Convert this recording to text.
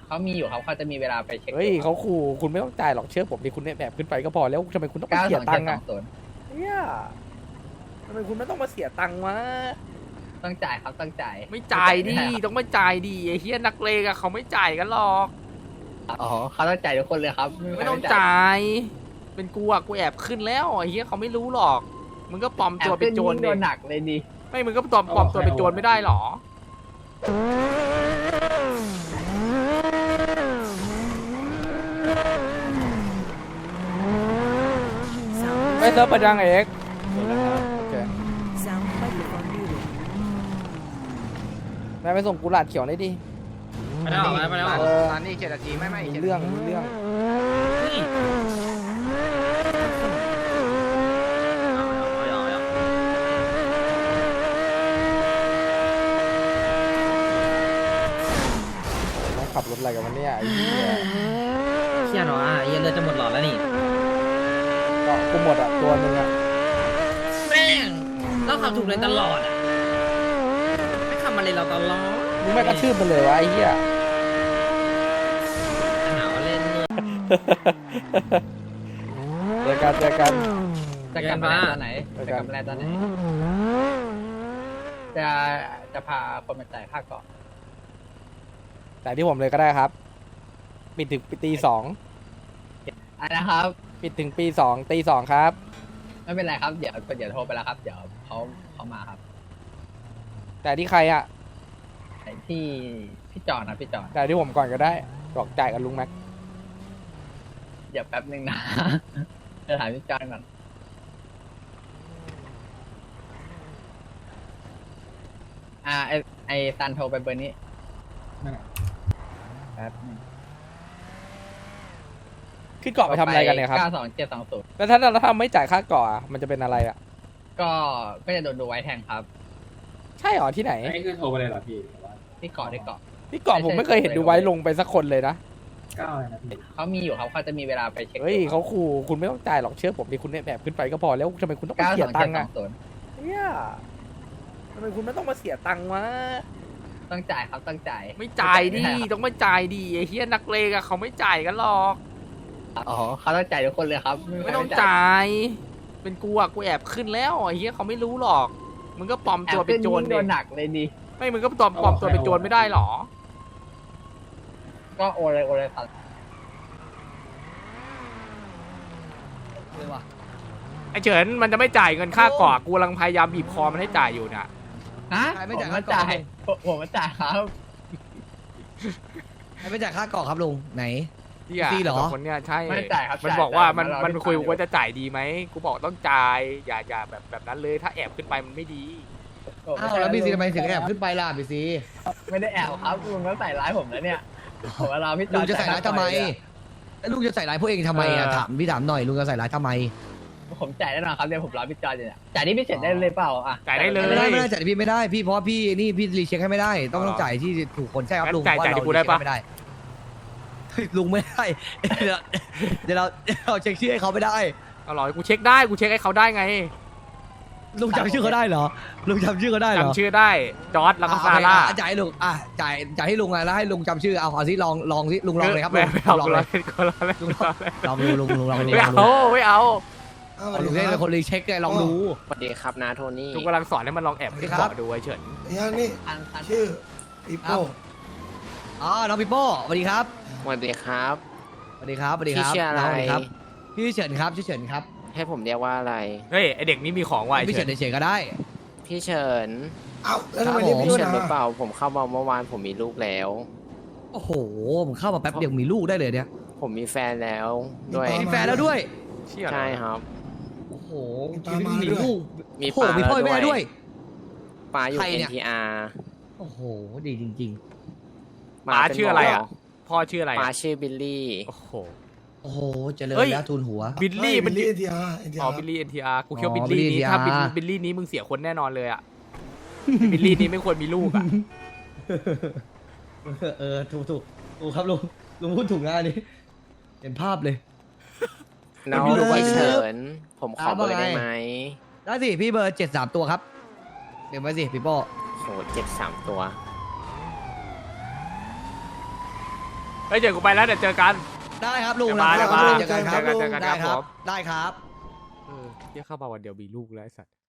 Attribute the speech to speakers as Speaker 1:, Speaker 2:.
Speaker 1: เขามีอยู่ครับเขาจะมีเวลาไปเช็ค
Speaker 2: เฮ้ยเขาขู่คุณไม่ต้องจ่ายหรอกเชื่อผมดิคุณเนี่ยแบบขึ้นไปก็พอแล้วทำไมคุณต้องมา
Speaker 1: เก้า
Speaker 2: เสี
Speaker 1: ส
Speaker 2: ย
Speaker 1: อง
Speaker 2: ตั
Speaker 1: เจ็
Speaker 2: ง
Speaker 1: ด
Speaker 2: ค์
Speaker 1: สอ
Speaker 2: อะ
Speaker 1: งศูนย์
Speaker 2: เนี่ยทำไมคุณไม่ต้องมาเสียตังค์วะ
Speaker 1: ต้องจ่ายครับต้องจ่าย
Speaker 3: ไม่จ่ายดิต้องไม่จ่ายดิไอ้เฮียนักเลงอะเขาไม่จ่ายกันหรอก
Speaker 1: อ๋อเขาต้องจ่ายทุกคนเลยครับ
Speaker 3: ไม่ต้องจ่าย เป็นกูอะกูแอบขึ้นแล้วไอ้เฮียเขาไม่รู้หรอกมึงก็ปลอมตัวเป็นโจร
Speaker 1: โด
Speaker 3: ดิ
Speaker 1: นหนักเลยดิ
Speaker 3: ไม่มึงก็ปลอมตัวเป็นโจรไม่ได้หรอ
Speaker 2: ไม่เซิร์ฟประจังเอกโอเคนายไปส่งกุหลาบเขียวได้ดิ
Speaker 3: ไม่ได้หรอกไม่ได้หรอก
Speaker 4: ตอนนี้7 นาทีไม่
Speaker 2: มีเรื่องต้องขับรถอะไรกันวันนี้ไอ้เหี้ย
Speaker 4: เชี่ยเนาะเย็นเรือจะหมดหลอดแล้วนี่
Speaker 2: ก็กูหมดอ่ะตัวนึงอ่ะ
Speaker 4: แม่งเราขับถูกเลยตลอดอ่ะไม่ขับมาเลยเราตลอด
Speaker 2: มึงไม่กระทืบมันเลยวะไอ้เหี้ย
Speaker 4: หนาวเล่นเลย
Speaker 2: เจอกัน
Speaker 1: จะกลับมาตอนไหน
Speaker 2: เจอ
Speaker 1: จะ
Speaker 2: กัน
Speaker 1: กลับมาตอนไหนจะพาคนมาจ่ายค่าเกาะ
Speaker 2: แต่ที่ผมเลยก็ได้ครับ ปิดถึงตี
Speaker 1: อ่ะนะครับ
Speaker 2: 2ปิดถึงตี 2ครับ
Speaker 1: ไม่เป็นไรครับเดี๋ยวโทรไปแล้วครับ เดี๋ยวเขามาครับ
Speaker 2: แต่ที่ใครอ่ะ
Speaker 1: ไอ้ที่พี่จอนนะพี่จอน
Speaker 2: แต่ที่ผมก่อนก็ได้บอกจ่ายกับลุงแม็ก
Speaker 1: เดี๋ยวแป๊บนึงนะ จะถามพี่จอนก่อนไอซันโทรไปเบอร์นี้แป๊บนึง
Speaker 2: ขึ้นเกาะไปทำอะไรกันเนี่ยครับ
Speaker 1: 92720
Speaker 2: แล้วถ้าเราทำไม่จ่ายค่าเกาะอะมันจะเป็นอะไรอ่ะ
Speaker 1: ก็จะโดนดูไว้แทงครับ
Speaker 2: ใช่หรอที่ไหน
Speaker 5: นี่คือโทรไปเลยเหรอพี่หรือว่า
Speaker 1: ที่เกาะ
Speaker 2: ที่เกาะผมไม่เคยเห็นดูไว้ลงไปสักคนเลยนะ
Speaker 5: 9เลยนะพี่
Speaker 1: เขามีอยู่ครับเขาจะมีเวลาไปเช็ค
Speaker 2: เฮ้ยเขาขู่คุณไม่ต้องจ่ายหรอกเชื่อผมดิคุณเนี่ยแบบขึ้นไปก็พอแล้วทำไมคุณต้องมาเสียตังค์อะ
Speaker 1: 92720
Speaker 2: เนี่ยทำไมคุณไม่ต้องมาเสียตังค์วะ
Speaker 1: ต้องจ่ายครับต้องจ่าย
Speaker 3: ไม่จ่ายดิต้องไม่จ่ายดิไอ้เฮียนักเลงอะเขาไม่จ่ายกันหรอก
Speaker 1: อ๋อเขาต้องจ่ายทุกคนเลยครับ
Speaker 3: ไม่ต้องจ่าย เป็นกูอะกูแอบขึ้นแล้วไอ้เฮียเขาไม่รู้หรอกมึงก็ปลอมตัวเป็นโจร
Speaker 1: โด
Speaker 3: ดิ
Speaker 1: นหนักเลยดิ
Speaker 3: ไม่มึงก็ปลอมตัวเป็นโจรไม่ได้หรอ
Speaker 1: ก็โอเลยครับ
Speaker 3: ไอ้เฉินมันจะไม่จ่ายเงินค่าเกาะกูกำลังพยายามบีบคอมันให้จ่ายอยู่นะ
Speaker 1: ฮะ
Speaker 4: ไม่จ่าย
Speaker 1: ผมมาจ่ายผมมาจ่ายครับ
Speaker 4: ไม่จ่ายค่าเกาะครับลุงไหน
Speaker 3: ที่อะ
Speaker 4: ฟรีเหรอ
Speaker 3: สองคนเนี้ยใช่
Speaker 1: ไม่จ่ายครับ
Speaker 3: มัน
Speaker 1: จ่าย
Speaker 3: บอกว่า
Speaker 1: จ่าย
Speaker 3: มัน
Speaker 1: เรา
Speaker 3: มัน
Speaker 1: ที่
Speaker 3: คุย
Speaker 1: จ่าย
Speaker 3: ว่าจะจ่ายดีไหมกูบอกต้องจ่ายอย่าแบบนั้นเลยถ้าแอบขึ้นไปมันไม่ดี
Speaker 4: อ้าวแล้วบีซีทำไมถึงแอบขึ้นไปล่ะบีซี
Speaker 1: ไม่ได้แอบครับลุงก็ใส่ร้ายผมแล้วเนี่ยผมว่ารอพี่จ
Speaker 4: ลุ
Speaker 1: อง
Speaker 4: จะใส่ร้ายทำไมแล้วลุงจะใส่ร้ายพวกเองทำไมอ่ะถามพี่ถามหน่อยลุงจะใส่ร้ายทำไม
Speaker 1: ผมจ่ายแน่นอนครับเดี๋ยวผมรอพี่จอนอยู่เนี่ยจ่ายนี่พี่เสร็จได้เลยเปล่าอ่ะ
Speaker 3: จ่ายได้เลย
Speaker 4: ไม่ได้จ่ายพี่ไม่ได้พี่เพราะพี่นี่พี่รีเช็คให้ไม่ได้ต้องจ่ายที่ถูกคนใช่ครับลุง
Speaker 3: จ่าย
Speaker 4: ว่า
Speaker 3: ที่
Speaker 4: เรา
Speaker 3: กูได้ปะ
Speaker 4: ไม่ได้ลุงไม่ได้เดี๋ยวเราเช็คชื่อให้เขาไม่ได้
Speaker 3: เอาหรอกูเช็คได้กูเช็คให้เขาได้ไง
Speaker 4: ลุงจำชื่อเขาได้เหรอลุงจำชื่อเขาได้เหรอ
Speaker 3: จำชื่อได้จอร์ดแล้วก็ซาร่า
Speaker 4: จ่ายให้ลุงจ่ายให้ลุงไงแล้วให้ลุงจำชื่อเอาสิลองสิลุงลองเลยครับ
Speaker 3: ไม่เอา
Speaker 4: ลอง
Speaker 3: กู
Speaker 4: เล
Speaker 3: รอย เล่นกูรอเล่นกูรอเล่น
Speaker 4: ลองดูลุงลองดู
Speaker 3: ไม่เอาไม่เอา
Speaker 4: ลุงเล่นเป็นคนรีเช็คไงลองดู
Speaker 6: สวัสดีครับนาโทนี่
Speaker 3: กูกำลังสอนให้มันลองแอบขึ้นเกาะดูไอ้เฉิน
Speaker 7: เนี่ยนี่
Speaker 1: อัน
Speaker 7: ชื่อปีโป้
Speaker 4: อ๋อน้องปิโป้สวัสดีครับ
Speaker 6: สวัสดีครับ
Speaker 4: สวัสดีครับสวัสดีครับ
Speaker 6: พี่ชื่ออะไร
Speaker 4: น้งสวัสดีครับพี่เฉินครับชื่อเฉินครับ
Speaker 6: ให้ผมเรียกว่าอะไร
Speaker 3: เฮ้ยไอเด็กนี้มีของว่ะไอ้
Speaker 4: พี่
Speaker 3: เฉิ
Speaker 4: เฉิ
Speaker 3: น
Speaker 4: นเฉยๆก็ได้
Speaker 6: พี่เฉิน
Speaker 7: เอ้าแล้วทำไม
Speaker 4: ครับ
Speaker 7: เรียก
Speaker 4: ผม
Speaker 7: พี่
Speaker 6: พี่
Speaker 7: ด้วย
Speaker 6: เฉินหรือเป
Speaker 7: นะ
Speaker 6: ล่าผมเข้ามาเมื่อวานผมมีลูกแล้ว
Speaker 4: โอ้โหผมเข้ามาแป๊บเดียวมีลูกได้เลยเนี่ย
Speaker 6: ผมมีแฟนแล้วด้วย
Speaker 4: มีแฟนแล้วด้วย
Speaker 3: เชี่ย
Speaker 6: ใช่ครับ
Speaker 4: โอ้โหมีลูก
Speaker 6: มี
Speaker 4: โอ้โห
Speaker 6: ปลา
Speaker 4: มีพ่อ
Speaker 6: แล้ว
Speaker 4: แม่ด้วย
Speaker 6: ปลาอยู่
Speaker 4: ใครเนี่ย
Speaker 6: NTR
Speaker 4: โอ้โหดีจริง
Speaker 3: ป๋า
Speaker 6: เป็น
Speaker 3: ชื่ออะไร
Speaker 6: หม
Speaker 3: อ่ะพ่อชื่ออะไร
Speaker 6: ปลา
Speaker 3: อ่ะ
Speaker 6: ชื่อบิลลี่
Speaker 3: โอ้โห
Speaker 4: ๆ โอ้โหเจริญ
Speaker 3: เฮ้ย
Speaker 4: แล้วทูนหัว
Speaker 3: บิลลี่มัน
Speaker 7: บิลลี่เอ็นทีอาร์
Speaker 3: อ๋อบิลลี่ NTR กูคิดว่า
Speaker 4: อ๋
Speaker 3: บิ
Speaker 4: อ
Speaker 3: ลลี่
Speaker 4: Billy
Speaker 3: นี้
Speaker 4: NTR
Speaker 3: ถ้าบิลลี่นี้มึงเสียคนแน่นอนเลยอ่ะบิลลี่นี้ไม่ควรมีลูกอ่ะ
Speaker 4: ถูกครับลุงพูดถูกนะอันนี้เห็นภาพเลย
Speaker 6: น้อง
Speaker 4: มีลูก
Speaker 6: พี่เฉิน ผมขอ
Speaker 4: อ่า
Speaker 6: เบอร์
Speaker 4: ว่าไง
Speaker 6: ได้ไหม
Speaker 4: ได้สิพี่เบอร์73ตัวครับเดี๋ยวไว้สิพี่โป้
Speaker 6: โห73 ตัว
Speaker 3: เฮ้ยเดี๋ยวกูไปแล้วเดี๋ยวเจอกัน
Speaker 8: ได้ครับลุง
Speaker 3: เดี๋ยวมา
Speaker 8: เจอกันครับ
Speaker 3: เจอกันครับผม
Speaker 8: ได้ครับ
Speaker 3: เออเฮียเข้ามาวันเดียวมีลูกแล้วไอ้สัตว์